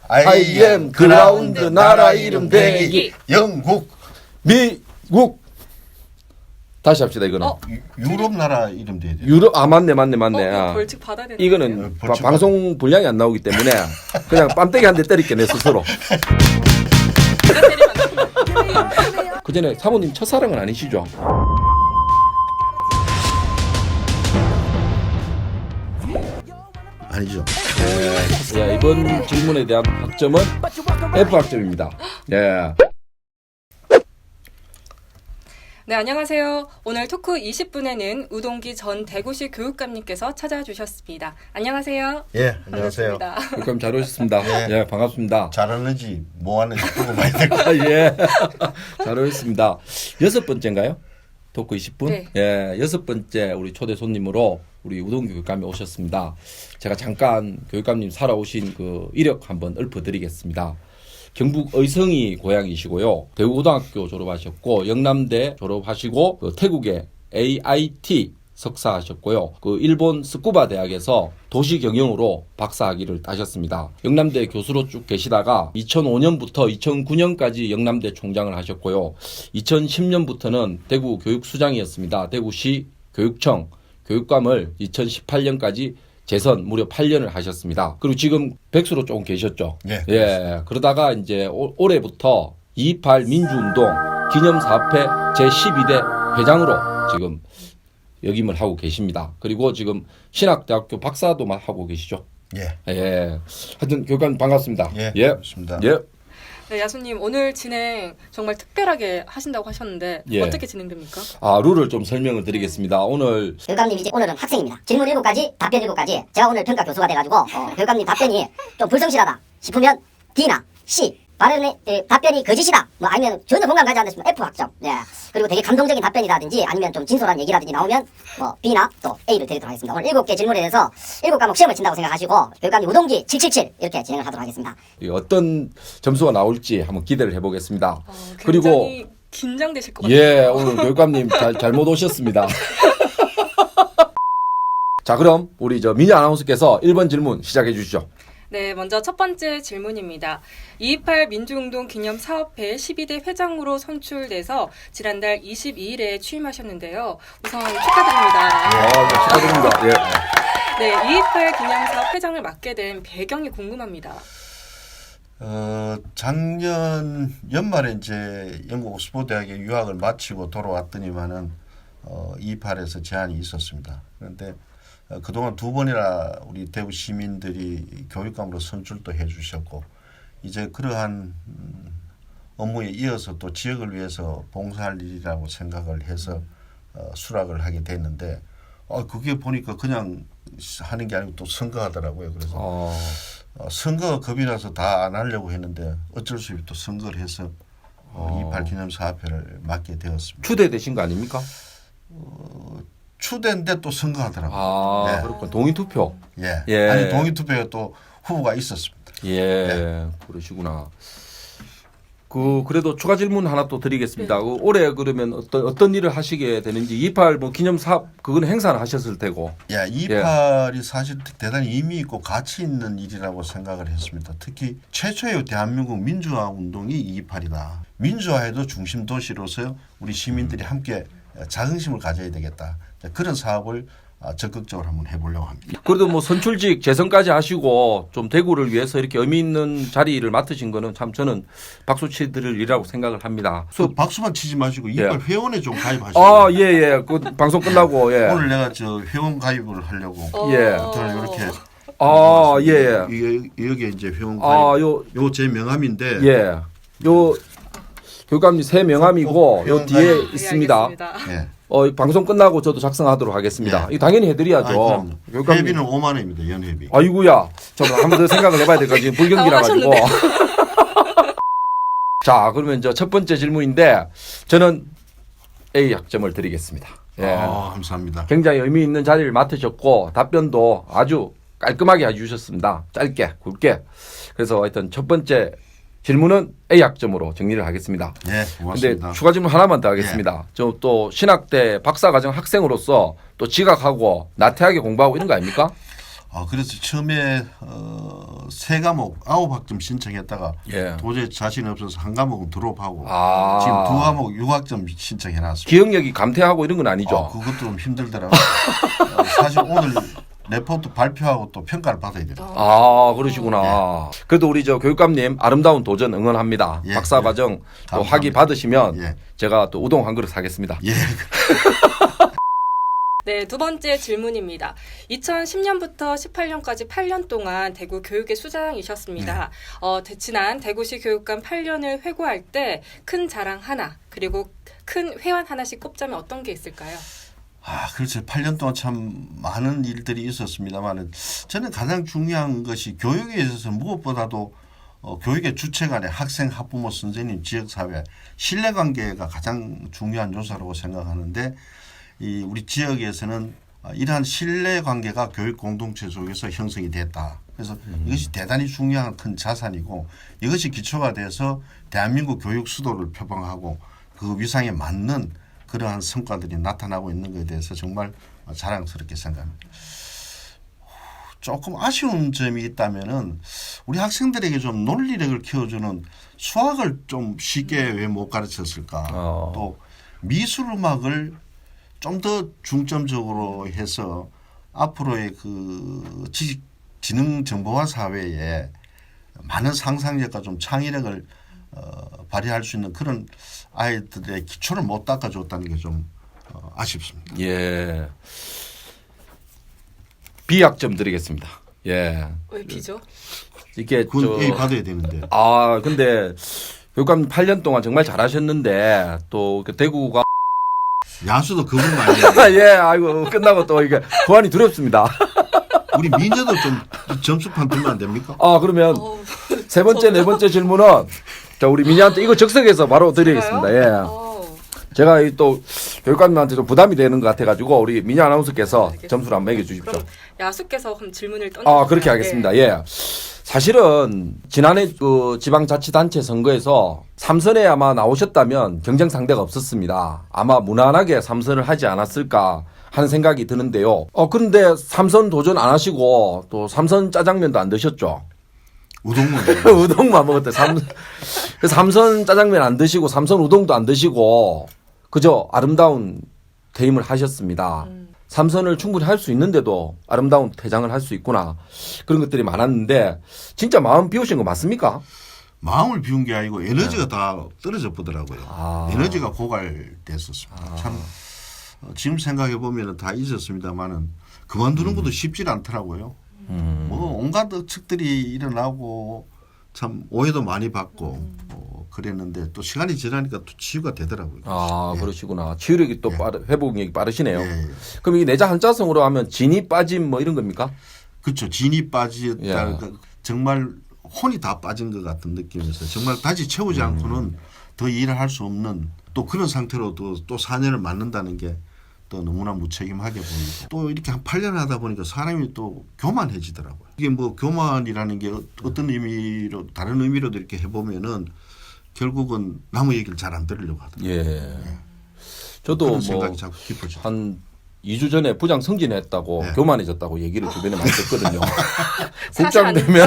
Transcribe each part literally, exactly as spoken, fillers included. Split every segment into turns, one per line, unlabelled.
아이엠 그라운드 나라 이름 대기
영국
미국 다시 합시다 이거는
어?
유- 유럽 나라 이름 돼야 돼.
유럽 아 맞네 맞네 맞네
어,
아.
벌칙 받아야 되는
이거는
어,
바-
벌칙
방송 분량이 안 나오기 때문에 그냥 빰때기 한 대 때릴게 내 스스로. 그 전에 사모님 첫사랑은 아니시죠?
아니죠.
네. 예, 이번 질문에 대한 학점은 F 학점입니다. 예.
네, 안녕하세요. 오늘 토크 이십 분에는 우동기 전 대구시 교육감님께서 찾아주셨습니다. 안녕하세요.
예, 안녕하세요.
반갑습니다.
그럼 잘 오셨습니다.
네.
예, 반갑습니다.
잘하는지 뭐하는지 보고 많이 들고.
아, 예. 잘 오셨습니다. 여섯 번째인가요? 토크 이십 분?
네.
예, 여섯 번째 우리 초대 손님으로 우리 우동 교육감이 오셨습니다. 제가 잠깐 교육감님 살아오신 그 이력 한번 읊어드리겠습니다. 경북 의성이 고향이시고요. 대구고등학교 졸업하셨고 영남대 졸업하시고 그 태국의 에이아이티 석사하셨고요. 그 일본 스쿠바 대학에서 도시경영으로 박사학위를 따셨습니다. 영남대 교수로 쭉 계시다가 이천오 년부터 이천구 년까지 영남대 총장을 하셨고요. 이천십 년부터는 대구 교육수장이었습니다. 대구시 교육청 교육감을 이천십팔 년까지 재선 무려 팔 년을 하셨습니다. 그리고 지금 백수로 조금 계셨죠.
예.
예. 그러다가 이제 올, 올해부터 이십팔 민주운동 기념사업회 제십이 대 회장으로 지금 역임을 하고 계십니다. 그리고 지금 신학대학교 박사도 하고 계시죠.
예.
예. 하여튼 교육감 반갑습니다.
예.
예.
반갑습니다.
예.
네, 야수님 오늘 진행 정말 특별하게 하신다고 하셨는데
예.
어떻게 진행됩니까?
아, 룰을 좀 설명을 드리겠습니다. 오늘
교육감님 이제 오늘은 학생입니다. 질문 일곱 가지, 답변 일곱 가지. 제가 오늘 평가 교수가 돼가지고 어, 교육감님 답변이 좀 불성실하다 싶으면 D나 C. 발언의 에, 답변이 거짓이다. 뭐 아니면 전혀 공감 가지 않으시면 F 학점. 예. 그리고 되게 감동적인 답변이라든지 아니면 좀 진솔한 얘기라든지 나오면 뭐 B나 또 A를 드리도록 하겠습니다. 오늘 일곱 개 질문에 대해서 일곱 과목 시험을 친다고 생각하시고 교육감님 우동기 칠칠칠 이렇게 진행을 하도록 하겠습니다.
어떤 점수가 나올지 한번 기대를 해보겠습니다.
어,
그리고
굉장히 긴장되실 것 같아요.
예, 오늘 교육감님 잘, 잘못 오셨습니다. 자, 그럼 우리 저 민희 아나운서께서 일 번 질문 시작해 주시죠.
네, 먼저 첫 번째 질문입니다. 이십팔 민주운동 기념사업회 십이 대 회장으로 선출돼서 지난달 이십이 일에 취임하셨는데요. 우선 축하드립니다.
아, 네, 축하드립니다. 예.
네, 이십팔 기념사업 회장을 맡게 된 배경이 궁금합니다.
어, 작년 연말에 이제 영국 옥스퍼드 대학에 유학을 마치고 돌아왔더니만은 어, 이십팔에서 제안이 있었습니다. 그런데 어, 그동안 두 번이나 우리 대구 시민들이 교육감으로 선출도 해주셨고 이제 그러한 음, 업무에 이어서 또 지역을 위해서 봉사할 일이라고 생각을 해서 어, 수락을 하게 됐는데 어, 그게 보니까 그냥 하는 게 아니고 또 선거하더라고요. 그래서
어,
어, 선거가 겁이 나서 다 안 하려고 했는데 어쩔 수 없이 또 선거를 해서 어, 이십팔 기념사업회를 맡게 되었습니다.
추대되신 거 아닙니까?
어, 추대인데 또 선거하더라고요.
아,
네.
그렇군. 동의투표.
예.
예.
아니 동의투표에 또 후보가 있었습니다.
예,
네.
그러시구나. 그 그래도 추가 질문 하나 또 드리겠습니다. 그 올해 그러면 어떤 어떤 일을 하시게 되는지 이십팔 뭐 기념 사업 그건 행사를 하셨을 테고.
예, 이십팔이 사실 대단히 의미 있고 가치 있는 일이라고 생각을 했습니다. 특히 최초의 대한민국 민주화 운동이 이십팔이다. 민주화에도 중심 도시로서 우리 시민들이 함께 자긍심을 가져야 되겠다. 그런 사업을 적극적으로 한번 해보려고 합니다.
그래도 뭐 선출직 재선까지 하시고 좀 대구를 위해서 이렇게 의미 있는 자리를 맡으신 거는 참 저는 박수 치드릴 일이라고 생각을 합니다.
그 박수만 치지 마시고 이십팔
예.
회원에 좀 가입하시고.
아, 예, 예. 그 방송 끝나고 예.
오늘 내가 저 회원 가입을 하려고.
예.
저는 이렇게.
아, 예, 예.
이게 여기 이제 회원 가입.
아, 요
요 제 명함인데.
예. 요 교감님 새 명함이고 요 뒤에
네,
있습니다.
알겠습니다.
예.
어, 방송 끝나고 저도 작성하도록 하겠습니다.
예.
이거 당연히 해드려야죠.
아,
교육감님.
회비는 오만 원입니다. 연회비.
아이고야. 저도 한 번 더 생각을 해봐야 될 것 같아요. 불경기라 가지고. 자, 그러면 저 첫 번째 질문인데 저는 A 학점을 드리겠습니다. 예.
아, 감사합니다.
굉장히 의미 있는 자리를 맡으셨고 답변도 아주 깔끔하게 해주셨습니다. 짧게, 굵게. 그래서 하여튼 첫 번째 질문은 A 학점으로 정리를 하겠습니다.
네,
근데
고맙습니다.
추가 질문 하나만 더 하겠습니다. 저 또 신학대 박사과정 학생으로서 또 지각하고 나태하게 공부하고 이런 거 아닙니까?
아, 그래서 처음에 어, 세 과목 아홉 학점 신청했다가
예.
도저히 자신 없어서 한 과목은 드롭하고
아.
지금 두 과목 육 학점 신청해놨습니다.
기억력이 감퇴하고 이런 건 아니죠.
아, 그것도 좀 힘들더라고요. 어, 사실 오늘 레포트 발표하고 또 평가를 받아야 돼요.
아, 그러시구나. 그래도 우리 저 교육감님 아름다운 도전 응원합니다.
예,
박사
예.
과정 또
감사합니다.
학위 받으시면
예.
제가 또 우동 한 그릇 사겠습니다.
예.
네, 두 번째 질문입니다. 이천십 년부터 십팔 년까지 팔 년 동안 대구 교육의 수장이셨습니다. 어, 대- 지난 대구시 교육감 팔 년을 회고할 때 큰 자랑 하나, 그리고 큰 회환 하나씩 꼽자면 어떤 게 있을까요?
아, 그렇죠. 팔 년 동안 참 많은 일들이 있었습니다만은 저는 가장 중요한 것이 교육에 있어서 무엇보다도 어, 교육의 주체간의 학생, 학부모, 선생님, 지역사회 신뢰관계가 가장 중요한 요소라고 생각하는데 이 우리 지역에서는 이러한 신뢰관계가 교육 공동체 속에서 형성이 됐다. 그래서
음.
이것이 대단히 중요한 큰 자산이고 이것이 기초가 돼서 대한민국 교육 수도를 표방하고 그 위상에 맞는 그러한 성과들이 나타나고 있는 것에 대해서 정말 자랑스럽게 생각합니다. 조금 아쉬운 점이 있다면은 우리 학생들에게 좀 논리력을 키워주는 수학을 좀 쉽게 왜 못 가르쳤을까?
어.
또 미술 음악을 좀 더 중점적으로 해서 앞으로의 그 지식 지능 정보화 사회에 많은 상상력과 좀 창의력을 어, 발휘할 수 있는 그런 아이들의 기초를 못 닦아줬다는 게 좀 어, 아쉽습니다.
예. 비학점 드리겠습니다. 예.
왜 비죠?
이게
그건
저
A 받아야 되는데.
아, 근데 교육감 팔 년 동안 정말 잘하셨는데 또 그 대구가
야수도 그분 아니에요.
예, 아이고 끝나고 또 이게 보안이 두렵습니다.
우리 미녀도 좀 점수판 두면 안 됩니까?
아, 그러면
어,
세 번째, 네 번째 질문은 자, 우리 민희한테 이거 즉석에서 바로 드리겠습니다. 예.
어,
제가 이 또 교육감님한테 좀 부담이 되는 것 같아가지고 우리 민희 아나운서께서
알겠습니다.
점수를 한번 매겨주십시오.
그럼 야수께서 그럼 질문을 던져.
아, 그렇게 하겠습니다. 예. 사실은 지난해 그 지방자치단체 선거에서 삼선에 아마 나오셨다면 경쟁 상대가 없었습니다. 아마 무난하게 삼선을 하지 않았을까 하는 생각이 드는데요. 어, 그런데 삼선 도전 안 하시고 또 삼선 짜장면도 안 드셨죠?
우동문.
우동만 먹었대. 삼, 그 삼선 짜장면 안 드시고 삼선 우동도 안 드시고 그저 아름다운 퇴임을 하셨습니다.
음.
삼선을 충분히 할 수 있는데도 아름다운 퇴장을 할 수 있구나. 그런 것들이 많았는데 진짜 마음 비우신 거 맞습니까?
마음을 비운 게 아니고 에너지가 다 떨어져 보더라고요.
아.
에너지가 고갈됐었습니다. 참 어, 지금 생각해 보면 다 있었습니다만은 그만두는 것도 쉽지 않더라고요.
음.
뭐 온갖 측들이 일어나고 참 오해도 많이 받고 어, 그랬는데 또 시간이 지나니까 또 치유가 되더라고요.
아,
예.
그러시구나. 치유력이 또
예.
빠르, 회복력이 빠르시네요.
예, 예.
그럼 이게 내자 한자성으로 하면 진이 빠짐 뭐 이런 겁니까?
그렇죠. 진이 빠졌다.
예.
그러니까 정말 혼이 다 빠진 것 같은 느낌에서 정말 다시 채우지
음.
않고는 더 일을 할 수 없는 또 그런 상태로 또, 또 사 년을 맞는다는 게 또 너무나 무책임하게 보이고 또 이렇게 한 팔 년 하다 보니까 사람이 또 교만해지더라고요. 이게 뭐 교만이라는 게 어떤 의미로 다른 의미로도 이렇게 해보면은 결국은 남의 얘기를 잘 안 들으려고 하더라고요.
예. 저도
그런
뭐
생각이 자꾸 깊어져.
한 이 주 전에 부장 승진했다고
네.
교만해졌다고 얘기를 주변에 많이 듣거든요.
사실
국장
아닙니까?
되면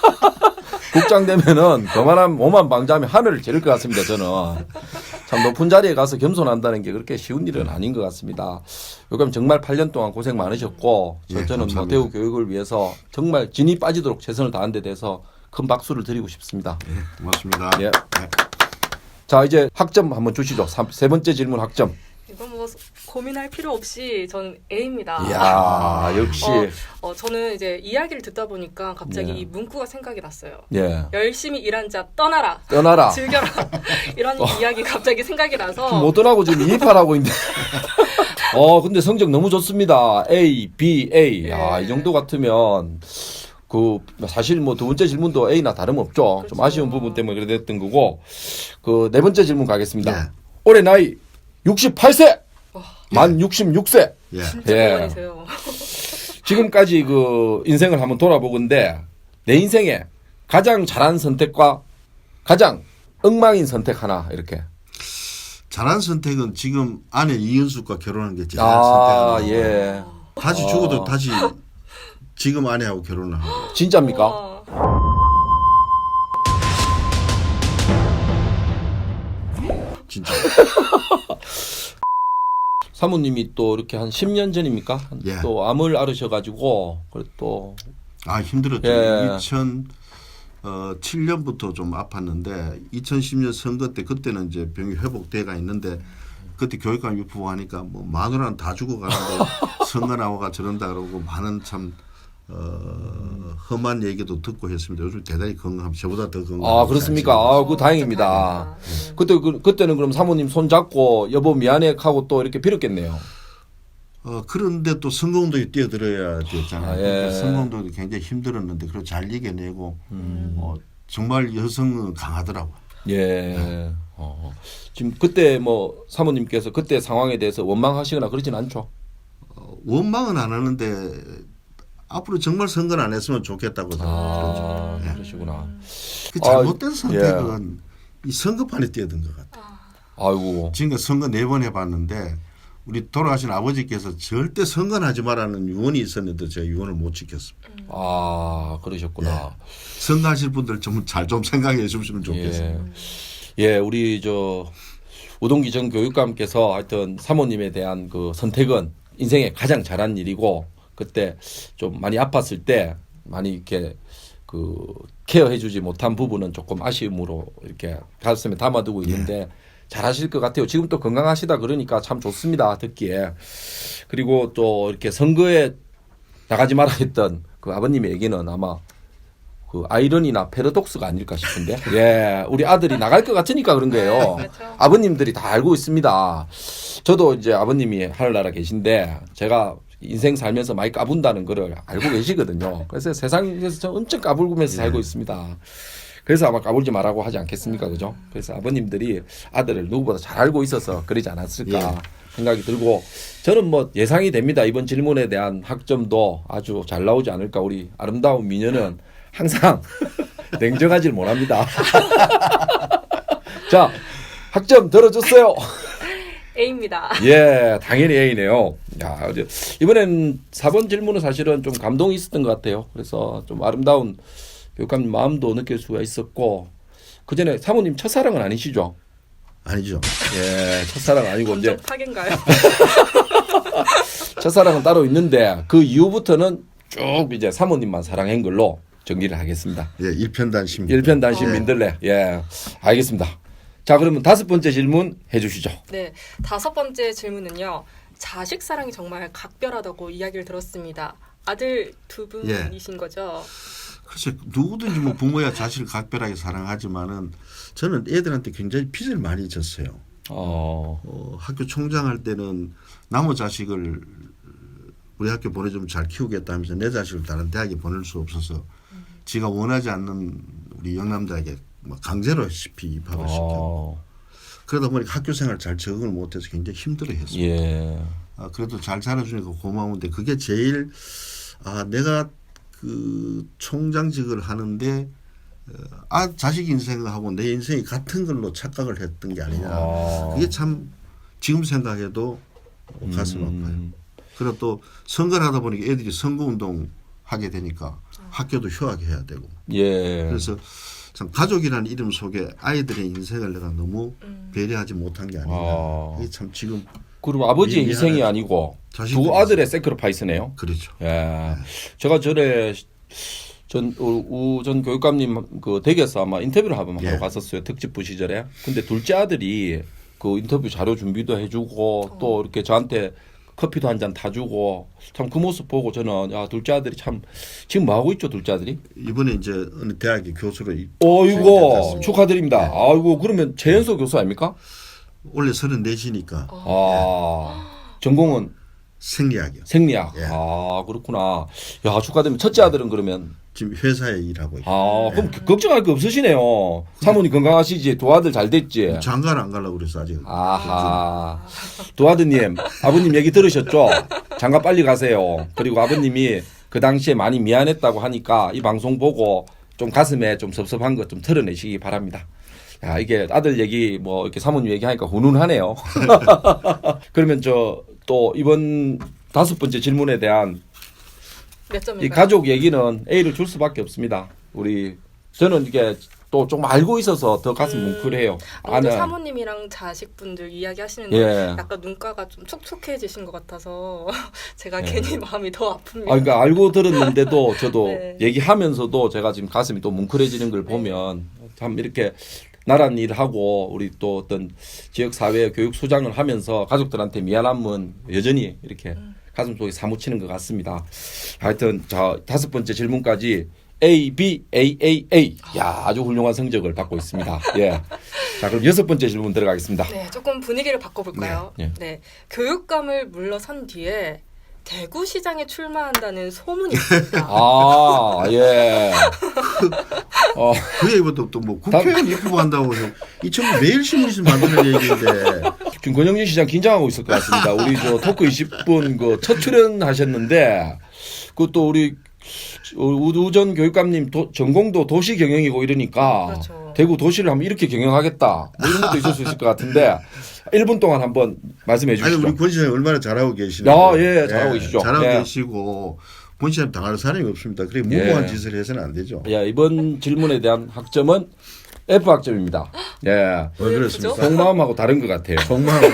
국장 되면은 교만한 오만 방자하면 하늘을 찌를 것 같습니다. 저는 참 높은 자리에 가서 겸손한다는 게 그렇게 쉬운 일은 아닌 것 같습니다. 요즘 정말 팔 년 동안 고생 많으셨고 저-
예,
저는 뭐
감사합니다.
대우 교육을 위해서 정말 진이 빠지도록 최선을 다한 데 대해서 큰 박수를 드리고 싶습니다.
네, 고맙습니다.
예.
네.
자, 이제 학점 한번 주시죠. 삼- 세 번째 질문 학점.
이건 뭐 고민할 필요 없이 저는 A입니다.
이야, 역시.
어, 어, 저는 이제 이야기를 듣다 보니까 갑자기
예.
이 문구가 생각이 났어요.
예.
열심히 일한 자 떠나라.
떠나라.
즐겨라. 이런 이야기 갑자기 생각이 나서
못 떠나고 지금 이입하라고 있는데. 어, 근데 성적 너무 좋습니다. A, B, A. 야,
예.
이 정도 같으면 그 사실 뭐 두 번째 질문도 A나 다름없죠. 좀
그렇죠.
아쉬운 부분 때문에 그래 됐던 거고. 그 네 번째 질문 가겠습니다.
네.
올해 나이 육십팔 세. 만 육십육 세.
예.
진짜
예.
동안이세요.
지금까지 그 인생을 한번 돌아보건데 내 인생에 가장 잘한 선택과 가장 엉망인 선택 하나 이렇게.
잘한 선택은 지금 아내 이은숙과 결혼한 게 제일
아,
선택이에요.
예.
다시 죽어도
어.
다시 지금 아내하고 결혼을 하고.
진짜입니까?
우와.
진짜.
사모님이 또 이렇게 한 십 년 전입니까?
예.
또 암을 앓으셔가지고 그래 또
아 힘들었죠.
예.
이천칠 년부터 좀 아팠는데 이천십 년 선거 때 그때는 이제 병이 회복돼가 있는데 그때 교육감 유포하니까 뭐 마누라는 다 죽어가는데 선거 나와가 저런다 그러고 많은 참 어, 험한 얘기도 듣고 했습니다. 요즘 대단히 건강합니다. 저보다 더 건강.
아 그렇습니까? 아, 그 다행입니다.
네.
그때 그, 그때는 그럼 사모님 손 잡고 여보 미안해 하고 또 이렇게 빌었겠네요.
어, 그런데 또 선거운동에 뛰어들어야 됐잖아요.
아, 예.
그러니까 선거운동이 굉장히 힘들었는데 그걸 잘 이겨내고 어, 정말 여성은 강하더라고요.
예. 어. 지금 그때 뭐 사모님께서 그때 상황에 대해서 원망하시거나 그러진 않죠?
어, 원망은 안 하는데 앞으로 정말 선거를 안 했으면 좋겠다고
아,
그러죠. 예.
그러시구나.
그 잘못된
아,
선택은 이 선거판에 뛰어든 것 같아요.
아이고.
지금까지 선거 네 번 해봤는데 우리 돌아가신 아버지께서 절대 선거는 하지 말라는 유언이 있었는데 제가 유언을 못 지켰습니다.
아, 그러셨구나.
선거하실 분들 좀 잘 좀 생각해 주시면 좋겠습니다.
예. 예, 우리 저 우동기 전 교육감께서 하여튼 사모님에 대한 그 선택은 인생에 가장 잘한 일이고 그때 좀 많이 아팠을 때 많이 이렇게 그 케어해주지 못한 부분은 조금 아쉬움으로 이렇게 가슴에 담아두고 있는데 잘하실 것 같아요. 지금 또 건강하시다 그러니까 참 좋습니다. 듣기에. 그리고 또 이렇게 선거에 나가지 마라 했던 그 아버님의 얘기는 아마 그 아이러니나 패러독스가 아닐까 싶은데. 예, 우리 아들이 나갈 것 같으니까 그런 거예요.
네, 그렇죠.
아버님들이 다 알고 있습니다. 저도 이제 아버님이 하늘나라 계신데 제가 인생 살면서 많이 까분다는 거를 알고 계시거든요. 그래서 세상에서 저 엄청 까불면서 살고 있습니다. 그래서 아마 까불지 말라고 하지 않겠습니까, 그죠? 그래서 아버님들이 아들을 누구보다 잘 알고 있어서 그러지 않았을까
예.
생각이 들고 저는 뭐 예상이 됩니다. 이번 질문에 대한 학점도 아주 잘 나오지 않을까. 우리 아름다운 미녀는 항상 냉정하질 못합니다. 자, 학점 들어줬어요.
A입니다.
예, 당연히 A네요. 야, 이제 이번엔 사 번 질문은 사실은 좀 감동이 있었던 것 같아요. 그래서 좀 아름다운 교육감님 마음도 느낄 수가 있었고 그 전에 사모님 첫사랑은 아니시죠?
아니죠.
예, 첫사랑 아니고 이제
감정 파괴인가요?
첫사랑은 따로 있는데 그 이후부터는 쭉 이제 사모님만 사랑한 걸로 정리를 하겠습니다.
예, 일편단심.
일편단심
네.
민들레. 예, 알겠습니다. 자, 그러면 다섯 번째 질문 해주시죠.
네, 다섯 번째 질문은요. 자식 사랑이 정말 각별하다고 이야기를 들었습니다. 아들 두 분이신 거죠?
글쎄 누구든지 뭐 부모야 자식을 각별하게 사랑하지만은 저는 애들한테 굉장히 빚을 많이 졌어요.
어,
어, 학교 총장할 때는 남의 자식을 우리 학교 보내주면 잘 키우겠다 하면서 내 자식을 다른 대학에 보낼 수 없어서 지가 원하지 않는 우리 영남대학에 뭐 강제로 시피 입학을 시켜.
어,
그러다 보니까 학교 생활 잘 적응을 못해서 굉장히 힘들어했어요.
예,
아, 그래도 잘 자라주니까 고마운데 그게 제일 아 내가 그 총장직을 하는데 어, 아 자식 인생하고 내 인생이 같은 걸로 착각을 했던 게 아니냐.
아.
그게 참 지금 생각해도 가슴
음.
아파요. 그리고 또 선거를 하다 보니까 애들이 선거운동 하게 되니까 학교도 휴학해야 되고.
예.
그래서 참 가족이라는 이름 속에 아이들의 인생을 내가 너무
음.
배려하지 못한 게 아니냐.
아.
이게 참 지금
그리고 아버지의
미안해.
희생이 아니고
자식들이
두 아들의 세크리파이스네요.
그렇죠.
예. 제가 전에 전우전 교육감님 그 댁에서 아마 인터뷰를 한번 하러
예.
갔었어요. 특집부 시절에. 근데 둘째 아들이 그 인터뷰 자료 준비도 해주고 또 이렇게 저한테 커피도 한 잔 타주고 참 그 모습 보고 저는 야 둘째 아들이 참 지금 뭐 하고 있죠 둘째 아들이?
이번에 이제 어느 대학의 교수로 입-
어이고
됐습니다.
축하드립니다. 아이고 그러면 재연소 교수 아닙니까?
원래 서른넷이니까
아 전공은
생리학이요.
생리학.
예.
아 그렇구나. 야 축하드립니다. 첫째 아들은 그러면
지금 회사에 일하고 있고
아 그럼 걱정할 거 없으시네요. 사모님 건강하시지 두 아들 잘 됐지.
장가를 안 가려고 그래서 아직.
아하 두 아드님 아버님 얘기 들으셨죠? 장가 빨리 가세요. 그리고 아버님이 그 당시에 많이 미안했다고 하니까 이 방송 보고 좀 가슴에 좀 섭섭한 것 좀 털어내시기 바랍니다. 야 이게 아들 얘기 뭐 이렇게 사모님 얘기하니까 훈훈하네요. 그러면 저 또 이번 다섯 번째 질문에 대한
몇 점인가요?
이 가족 얘기는 A를 줄 수밖에 없습니다. 우리 저는 이게 또 좀 알고 있어서 더 가슴
음.
뭉클해요.
아무래도
아는
사모님이랑 자식분들 이야기하시는데
예.
약간 눈가가 좀 촉촉해지신 것 같아서 제가
예.
괜히 마음이 더 아픕니다.
아, 그러니까 알고 들었는데도 저도
네.
얘기하면서도 제가 지금 가슴이 또 뭉클해지는 걸 보면 참 이렇게 나란 일을 하고 우리 또 어떤 지역 사회 교육 소장을 하면서 가족들한테 미안함은 여전히 이렇게 가슴 속에 사무치는 것 같습니다. 하여튼 자 다섯 번째 질문까지 A, B, A, A, A. 야 아주 훌륭한 성적을 받고 있습니다. 예. 자 그럼 여섯 번째 질문 들어가겠습니다.
네, 조금 분위기를 바꿔볼까요?
네.
네. 교육감을 물러선 뒤에 대구시장에 출마한다는 소문이 있습니다.
아 예. 어.
그 얘기부터 또 뭐 국회의원 입후보 한다고 해서 이 친구 매일 신문에서 만드는 얘기인데
지금 권영진 시장 긴장하고 있을 것 같습니다. 우리 저 토크 이십 분 그 첫 출연하셨는데 그것도 우리 우전 교육감님 도, 전공도 도시 경영이고 이러니까
그렇죠.
대구 도시를 한번 이렇게 경영하겠다 뭐 이런 것도 있을 수 있을 것 같은데 일 분 동안 한번 말씀해
아니
주시죠.
우리 권 시장이 얼마나 잘하고 계시는데
야, 예, 잘하고 계시죠.
잘하고
예.
계시고 권 시장 당할 사람이 없습니다. 그래 무모한
예.
짓을 해서는 안 되죠.
예, 이번 질문에 대한 학점은 F 학점입니다. 예.
왜
왜
그렇습니까?
그죠?
속마음하고 다른 것 같아요.
정말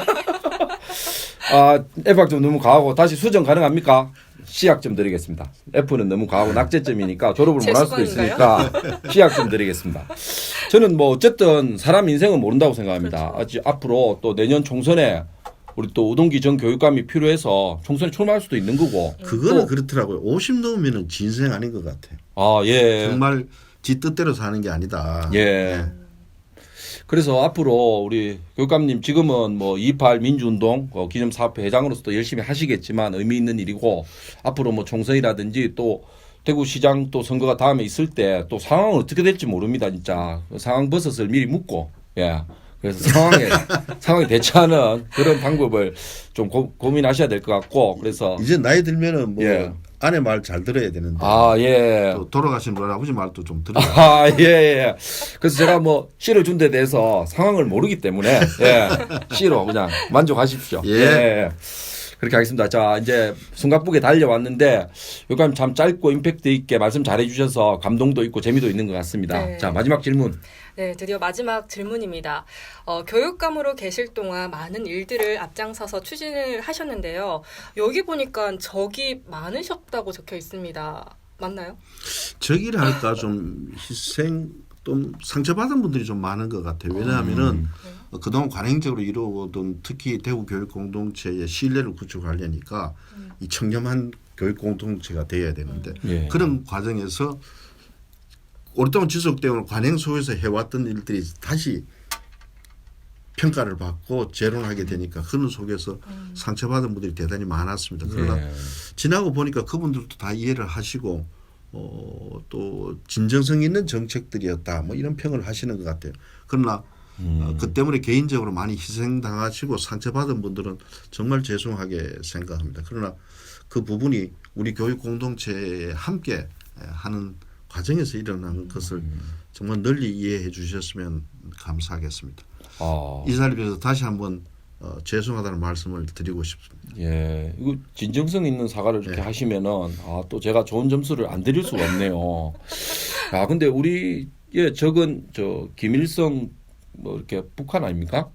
아, F 학점 너무 과하고 다시 수정 가능합니까? C 학점 드리겠습니다. F는 너무 과하고 낙제점이니까 졸업을 못 할 수도 있으니까 C 학점 드리겠습니다. 저는 뭐 어쨌든 사람 인생은 모른다고 생각합니다.
그렇죠.
아직 앞으로 또 내년 총선에 우리 또 우동기 전 교육감이 필요해서 총선에 출마할 수도 있는 거고.
그거는
또,
그렇더라고요. 오십 넘으면은 진생 아닌 것 같아요.
아, 예.
정말 지 뜻대로 사는 게 아니다.
예.
네.
그래서 앞으로 우리 교육감님 지금은 뭐 이십팔 민주운동 어, 기념사업회 회장으로서도 열심히 하시겠지만 의미 있는 일이고 앞으로 뭐 총선이라든지 또 대구시장 또 선거가 다음에 있을 때 또 상황은 어떻게 될지 모릅니다 진짜 상황 버섯을 미리 묻고 예 그래서 상황에 상황에 대처하는 그런 방법을 좀 고, 고민하셔야 될 것 같고 그래서
이제 나이 들면은 뭐
예.
아내 말 잘 들어야 되는데
아 예.
또 돌아가신 우리 아버지 말도 좀 들어야
아, 예, 예. 그래서 제가 뭐 C를 준 데 대해서 상황을 모르기 때문에 예. C로 그냥 만족하십시오.
예.
예. 그렇게 하겠습니다. 자, 이제 숨가쁘게 달려왔는데 요감 참 짧고 임팩트 있게 말씀 잘해 주셔서 감동도 있고 재미도 있는 것 같습니다.
네.
자, 마지막 질문.
네, 드디어 마지막 질문입니다. 어, 교육감으로 계실 동안 많은 일들을 앞장서서 추진을 하셨는데요. 여기 보니까 적이 많으셨다고 적혀 있습니다. 맞나요?
저기를 할까 좀 희생 좀 상처받은 분들이 좀 많은 것 같아요. 왜냐하면은 어, 그동안 관행적으로 이루어오던 특히 대구 교육 공동체의 신뢰를 구축하려니까 이 청렴한 교육 공동체가 되어야 되는데
예.
그런 과정에서 오랫동안 지속되어 관행 속에서 해왔던 일들이 다시 평가를 받고 재론하게 되니까 그런 속에서 상처받은 분들이 대단히 많았습니다. 그러나
예.
지나고 보니까 그분들도 다 이해를 하시고 어, 또 진정성 있는 정책들이었다 뭐 이런 평을 하시는 것 같아요. 그러나
음.
어, 그 때문에 개인적으로 많이 희생당하시고 상처받은 분들은 정말 죄송하게 생각합니다. 그러나 그 부분이 우리 교육 공동체에 함께 하는 과정에서 일어나는 것을 정말 널리 이해해 주셨으면 감사하겠습니다.
아.
이 자리에서 다시 한번 어, 죄송하다는 말씀을 드리고 싶습니다.
예, 이거 진정성 있는 사과를 이렇게
네.
하시면은 아, 또 제가 좋은 점수를 안 드릴 수가 없네요. 아, 근데 우리 예, 적은 저 김일성 뭐 이렇게 북한 아닙니까?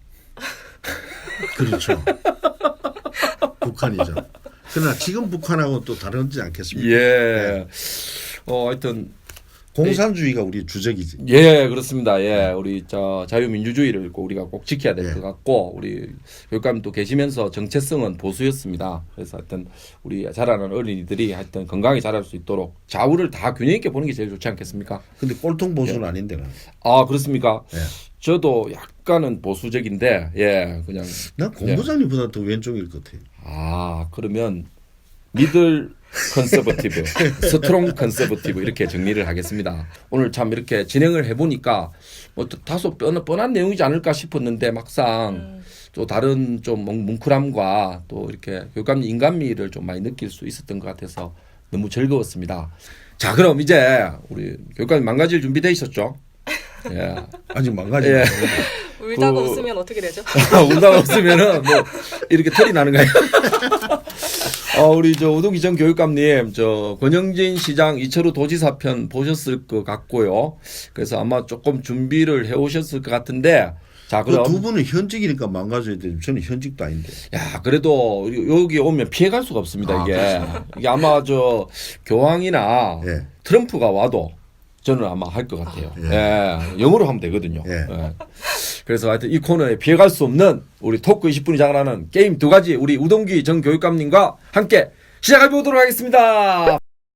그렇죠. 북한이죠. 그러나 지금 북한하고 또 다르지 않겠습니까?
예. 어, 하여튼
공산주의가 우리 주적이지.
예, 그렇습니다. 예, 우리 저 자유민주주의를 꼭 우리가 꼭 지켜야 될 것
예.
같고 우리 교육감도 계시면서 정체성은 보수였습니다. 그래서 하여튼 우리 자라는 어린이들이 하여튼 건강히 자랄 수 있도록 좌우를 다 균형 있게 보는 게 제일 좋지 않겠습니까?
근데 꼴통 보수는 아닌데 나.
아, 그렇습니까?
예.
저도 약간은 보수적인데 예, 그냥
난 공부장님보다 더 왼쪽일 것 같아요.
아, 그러면 미들 컨서버티브, 스트롱 컨서버티브 이렇게 정리를 하겠습니다. 오늘 참 이렇게 진행을 해보니까 뭐 다소 뻔한, 뻔한 내용이지 않을까 싶었는데 막상
음.
또 다른 좀 뭉클함과 또 이렇게 교육감 인간미를 좀 많이 느낄 수 있었던 것 같아서 너무 즐거웠습니다. 자, 그럼 이제 우리 교육감 망가질 준비돼 있었죠? 예.
아직 망가지.
예.
울다가
그-
웃으면 어떻게 되죠?
울다가 웃으면은 뭐 이렇게 털이 나는 거예요. 어, 우리 저 우동기 전 교육감님, 저 권영진 시장 이철우 도지사 편 보셨을 것 같고요. 그래서 아마 조금 준비를 해오셨을 것 같은데, 자
그
그럼
두 분은 현직이니까 망가져야 돼. 저는 현직도 아닌데.
야 그래도 여기 오면 피해갈 수가 없습니다.
아,
이게 이게 아마 저 교황이나
예.
트럼프가 와도 저는 아마 할 것 같아요.
예.
예. 영어로 하면 되거든요.
예.
예. 그래서 하여튼 이 코너에 피해갈 수 없는 우리 토크 이십 분이 장관하는 게임 두 가지 우리 우동기 전 교육감님과 함께 시작해 보도록 하겠습니다.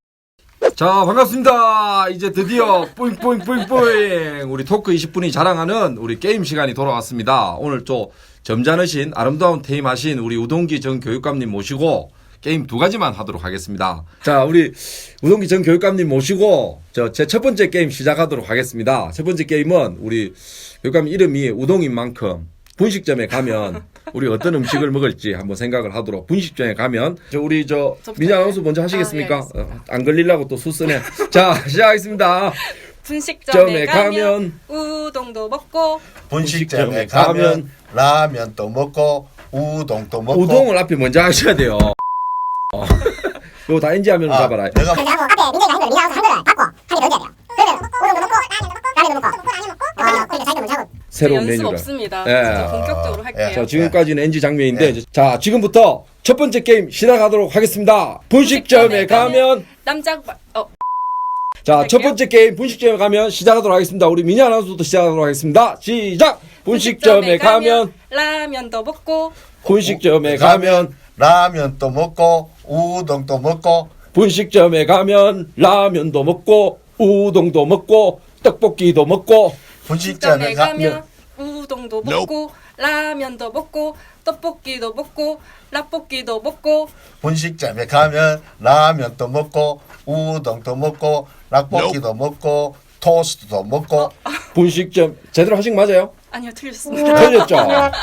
자 반갑습니다. 이제 드디어 뿌잉뿌잉뿌잉뿌잉 우리 토크 이십 분이 자랑하는 우리 게임 시간이 돌아왔습니다. 오늘 또 점잖으신 아름다운 테임하신 우리 우동기 전 교육감님 모시고 게임 두 가지만 하도록 하겠습니다. 자 우리 우동기 전 교육감님 모시고 저 제 첫 번째 게임 시작하도록 하겠습니다. 첫 번째 게임은 우리 교육감 이름이 우동인 만큼 분식점에 가면 우리 어떤 음식을 먹을지 한번 생각을 하도록 분식점에 가면 저 우리 저
저부터
민지 아나운서
해요?
먼저
아,
하시겠습니까?
예, 알겠습니다.
어, 안 걸리려고 또 수쓰네. 자 시작하겠습니다.
분식점에
점에
가면,
가면
우동도 먹고
분식점에
가면
가면 라면도 먹고 우동도 먹고.
우동을 앞에 먼저 하셔야 돼요. 어. 이거 다 인지하면
아,
잡아라.
내가
그래서 앞에 민정이가 한 걸, 민정이 한 거를 받고 한 개 던져야 돼요. 그러면 우동도 먹고, 라면도 먹고, 라면도 먹고, 어, 그러니까 자기가 먼저 하고.
새로운
연습
메뉴를.
없습니다.
예.
진짜 본격적으로 할게요.
예.
자, 지금까지는 엔지 장면인데,
네.
이제 자, 지금부터 첫 번째 게임 시작하도록 하겠습니다. 분식점에 가면,
남자 어
자, 첫
할게요.
번째 게임 분식점에 가면 시작하도록 하겠습니다. 우리 미니 아나운서부터 시작하도록 하겠습니다. 시작! 분식점에 가면,
라면도 먹고
분식점에 가면,
라면도 먹고 우동도 먹고.
분식점에 가면, 라면도 먹고, 우동도 먹고, 떡볶이도 먹고,
분식점에
분식점에
가면
가면 우동도 먹고 라면도 먹고 떡볶이도 먹고 라볶이도 먹고
분식점에 가면 라면도 먹고 우동도 먹고 락볶이도 먹고 토스트도 먹고.
분식점, 제대로 하신 거 맞아요?
아니요 틀렸습니다.
틀렸죠?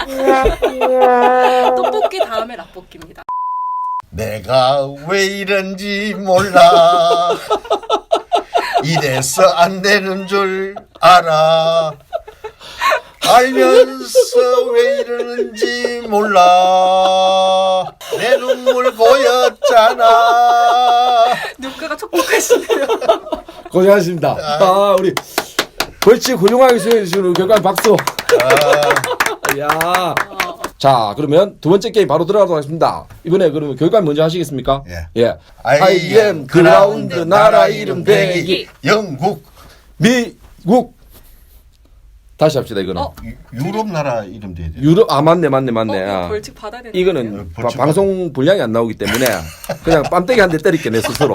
떡볶이 다음에 라볶이입니다.
내가 왜 이런지 몰라. 이래서 안 되는 줄 알아. 알면서 왜 이러는지 몰라. 내 눈물 보였잖아.
눈가가 촉촉하시네요.
고생하셨습니다. 아, 우리 벌칙 훌륭하게 수행해 주신 우리 교육감 박수.
아,
야. 자, 그러면 두 번째 게임 바로 들어가도록 하겠습니다. 이번에 그러면 교육감 먼저 하시겠습니까?
예.
예.
I am
그라운드 나라 이름 대기
영국.
미국. 다시 합시다 이거는.
어?
유- 유럽 나라 이름 돼야 돼.
유럽 아 맞네 맞네 맞네.
어, 이거
아.
벌칙 받아야 되는
이거는
어,
바-
벌칙
방송 분량이 안 나오기 때문에 그냥 빰때기 한 대 때릴게 내 스스로.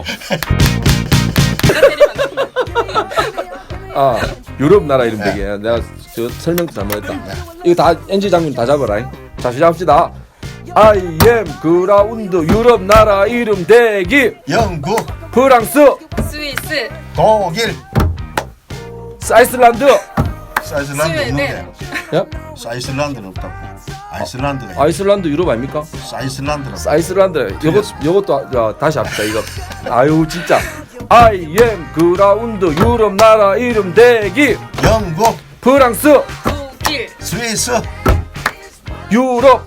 아 유럽 나라 이름 되게 내가 저 설명도 잘못했다. 이거 다 엔지 장면 다 잡아라. 자 시작합시다. I am 그라운드 유럽 나라 이름 대기
영국,
프랑스
스위스
독일,
아이슬란드.
아이슬란드
스웨덴.
없는데.
야?
아이슬란드는 없다고. 아이슬란드가
아이슬란드 유럽 아닙니까?
아이슬란드는
아이슬란드 요것 요것도 야, 다시 합시다 이거. 아유 진짜. I am 그라운드 유럽 나라 이름 대기
영국,
프랑스
독일
스위스,
유럽.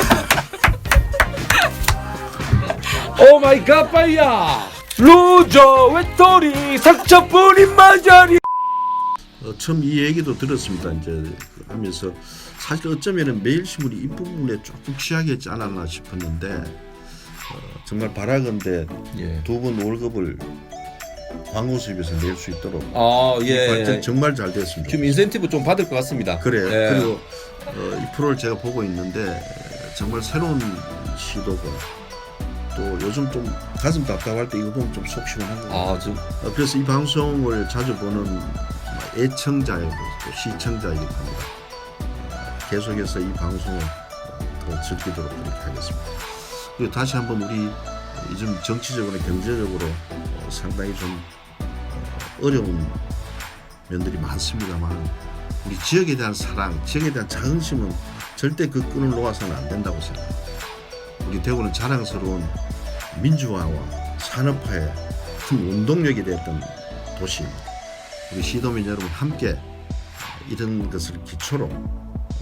오 마이 갓 파이야. 루저 외톨이 상처뿐인 마자리.
어, 처음 이 얘기도 들었습니다. 이제 하면서 사실 어쩌면은 매일신문이 이 부분에 조금 취약했지 않았나 싶었는데 어, 정말 바라건대
예.
두 분 월급을 광고 수입에서 낼 수 있도록
아
이
예.
발전 정말 잘 됐습니다.
지금 인센티브 좀 받을 것 같습니다.
그래요.
예.
그리고 어, 이 프로를 제가 보고 있는데 정말 새로운 시도고 또 요즘 좀 가슴 답답할 때 이거 보면 좀 속 시원한 거 같아요.
아 지금
어, 그래서 이 방송을 자주 보는 애청자이고 또 시청자이기도 합니다. 어, 계속해서 이 방송을 어, 더 즐기도록 그렇게 하겠습니다. 그리고 다시 한번 우리 요즘 정치적으로 경제적으로 어, 상당히 좀 어, 어려운 면들이 많습니다만 우리 지역에 대한 사랑, 지역에 대한 자긍심은 절대 그 끈을 놓아서는 안 된다고 생각합니다. 우리 대구는 자랑스러운 민주화와 산업화의 큰 운동력이 되었던 도시입니다. 우리 시도민 여러분 함께 이런 것을 기초로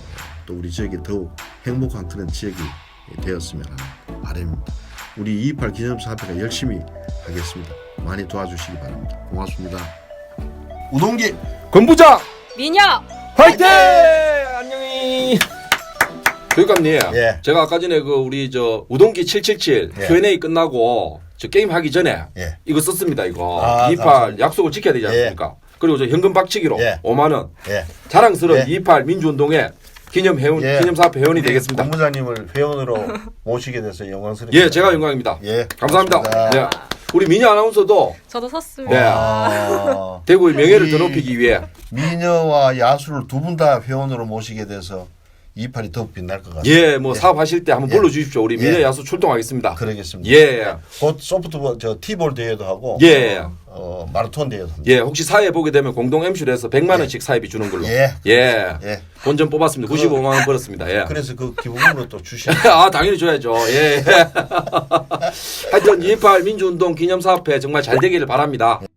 또 우리 지역이 더욱 행복한 그런 지역이 되었으면 하는 바람입니다. 우리 이이팔 기념사업회가 열심히 하겠습니다. 많이 도와주시기 바랍니다. 고맙습니다. 우동기
건부장
미녀
화이팅! 안녕히. 교육감님,
예.
제가 아까 전에 그 우리 저 우동기 칠칠칠
예.
큐 앤 에이 끝나고 저 게임 하기 전에
예.
이거 썼습니다. 이거
아,
이이팔
감사합니다.
약속을 지켜야 되지 않습니까? 그리고 저 현금 박치기로
예.
오만 원
예.
자랑스러운
예.
이이팔 민주운동의 기념 회원
예.
기념사업 회원이
우리
되겠습니다.
본부장님을 회원으로 모시게 돼서 영광스럽습니다.
예, 제가 영광입니다.
예,
감사합니다.
고맙습니다.
네. 우리 미녀 아나운서도
저도 섰습니다.
네.
아,
대구의 명예를
이-
더 높이기 위해
미녀와 야수를 두 분 다 회원으로 모시게 돼서 이이팔이 더욱 빛날 것 같습니다.
예, 뭐 사업하실 때 한번
예.
불러주십시오. 우리 미녀
예.
야수 출동하겠습니다.
그러겠습니다.
예,
곧 소프트볼 저 티볼 대회도 하고
예.
어, 마라톤 대회도 합니다.
예, 혹시 사회 보게 되면 공동 엠씨로 해서 백만 원씩 사회비 주는 걸로.
예.
예.
예.
본전 뽑았습니다. 구십오만 원 벌었습니다. 예.
그래서 그 기부금으로 또 주시는
아, 당연히 줘야죠. 예. 하여튼 이이팔 민주운동 기념사업회 정말 잘 되기를 바랍니다.